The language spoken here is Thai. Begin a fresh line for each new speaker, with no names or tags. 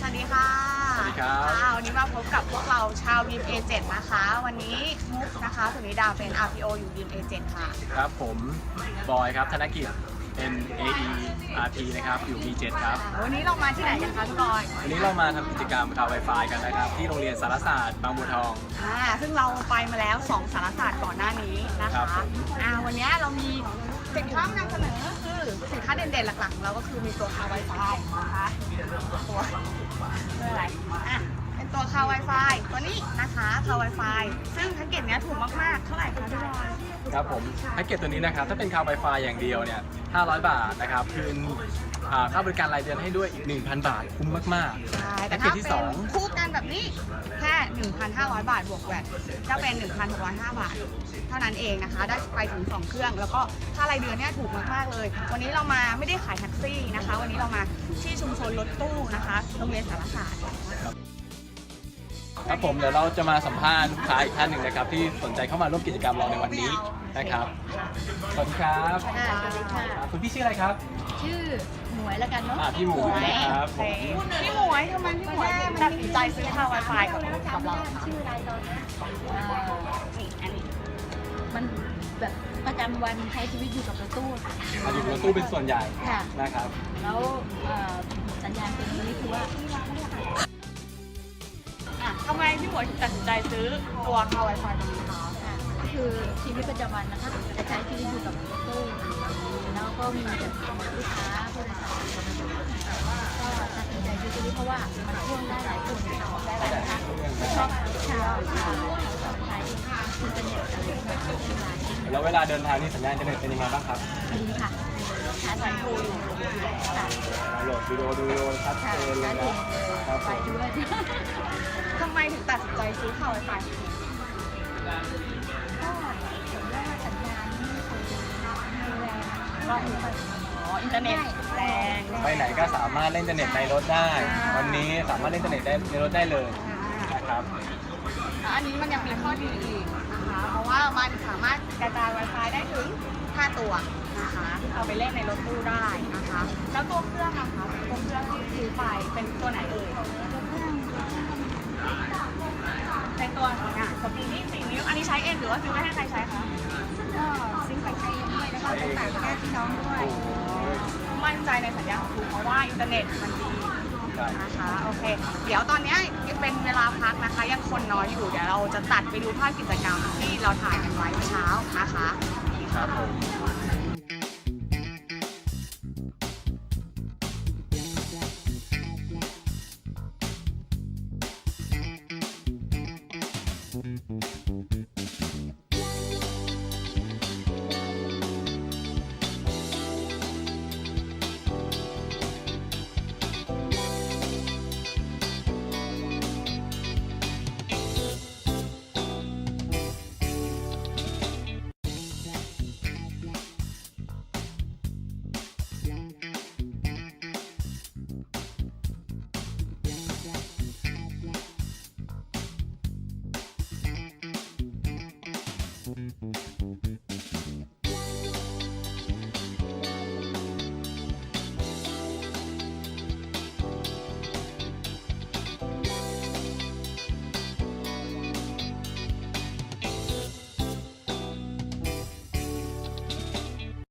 สวัสดีค่ะ
สวัสดีครับ
วันนี้มาพบกับพวกเราชาว Beam Agent นะคะ วันนี้มุกนะคะสุนิดาเป็น RPO อยู่ Beam Agent ค่ะ
ครับผมบอยครับธนกิจ NAE RP นะครับอยู่ B7 ครับ
วันนี้เรามาที่ไหนกันคะพี่บอย
วันนี้เรามาทำกิจกรรมข่าว Wi-Fi กันนะครับที่โรงเรียนสารศาสตร์บางบัวทอง
ซึ่งเราไปมาแล้ว 2 สารศาสตร์ก่อนหน้านี้นะ
ครั
คะ
บผม
วันนี้เรามีสินค้ามานำเสนอคือสินค้าเด่นๆหลักๆของเราก็คือมีตัวคา Wi-Fi นะคะตัวอะไรเป็นตัวคา Wi-Fi ตัวนี้นะคะคา Wi-Fi ซึ่งแพ็กเกจเนี้ยถูกมากๆเท่าไหร่คะพี่บอย
ครับผมแพ็กเกจตัวนี้นะครับถ้าเป็นข่าว Wi-Fi อย่างเดียวเนี่ย500 บาทนะครับคืนค่าบริการรายเดือนให้ด้วยอีก 1,000 บาทคุ้มมาก
ใช่
ๆ
แต่
แพ็กเก
ถ้า
จที่
เป็นคู่กันแบบนี้แค่ 1,500 บาทบวกแวตจะเป็น 1,605 บาท เท่านั้นเองนะคะ ได้ไปถึง 2 เครื่อง แล้วก็ค่ารายเดือนเนี่ยถูกมากๆเลย วันนี้เรามาไม่ได้ขายแท็กซี่นะคะ วันนี้เรามาที่ชุมชนรถตู้นะคะโรงเรียนสารศาสตร์
ครับผมเดี๋ยวเราจะมาสัมภาษณ์ลูกค้าอีกท่านหนึ่งนะครับที่สนใจเข้ามาร่วมกิจกรรมเราในวันนี้นะครับสวัสดีครับ
สวัสดีค่ะ
คุณพี่ชื่ออะไรครับ
ชื่อหมวยแล้วกันเนาะ
พี่หมูนะครับผม
พี่หมวยทำไมพี่หมวยตัดสินใจซื้อค่า Wi-Fi กับเรา
ชื่ออะไรตอนนี้
นี่อันนี้
มันแบบประจำวันใช้ชีวิตอยู่กับรถตู้ค่ะ
อยู่รถตู้เป็นส่วนใหญ่
ค่ะ
นะครับ
แล้วสัญญาณเป็นอย่างนี้คือว่า
ทำไมพี่หมวยถึงตัดสินใจซื้อตัวค่า Wi-Fi ตัวนี้คะ
ก็คือชีวิตประจำวันนะคะจะใช้ชีวิตอยู่กับรถตู้แล้วก็มีแบบลูกค้าผู้โดยสารก็ตัดสินใจซื้อตัวนี้เพราะว่ามันพ่วงได้หลายคนได้หลายท่านชอบชาวใช้อินเทอร์เน็ตอะไรแบบนี้
แล้วเวลาเดินทางนี่สัญญาณอินเทอร์เน็ตเป็นยังไงบ้างครับ
ดีค่ะชาร์จไฟฟูอยู่ค่ะ
โหลดวิดีโอดูวิดีโอชัดเจ
ค่ะ
นเล
ชาย ร์จ
นะ ครับ
ไฟด้วย
ทำไมถึงตัดสินใจซื้อค่า Wi-Fi
ก็เห็นว่าสัญญาณไม่ค่อยดีแรงก็มีค่อย
อินเทอร์เน็ตแรง
ไปไหนก็สามารถเล่นอินเทอร์เน็ตในรถได้ วันนี้สามารถเล่นอินเทอร์เน็ตได้ในรถได้เลยนะครับ
อันนี้มันยังมีข้อดีอีกนะคะ เพราะว่ามันสามารถกระจาย Wi-Fi ได้ถึง 5 ตัวนะคะเอาไปเล่นในรถตู้ได้นะคะ แล้วตัวเครื่องนะคะตัวเครื่องที่ซื้อไปเป็นตัวไหนเอ่ยเป็นตัวสปีนี่4 นิ้ว อันนี้ใช้เองหรือว่าซื้อไว้ให้ใครใช้คะ
ก็ซิงค์ไปใช้ด้วยแล้วก็ไปฝากญาติพี่น้องด้วย
มั่นใจในสัญญาณของคุณเพราะว่าอินเทอร์เน็ตมันดีนะคะโอเค เดี๋ยวตอนนี้ยังเป็นเวลาพักนะคะ ยังคนน้อยอยู่เดี๋ยวเราจะตัดไปดูภาพกิจกรรมที่เราถ่ายกันไว้เมื่อเช้านะคะ
ครับผม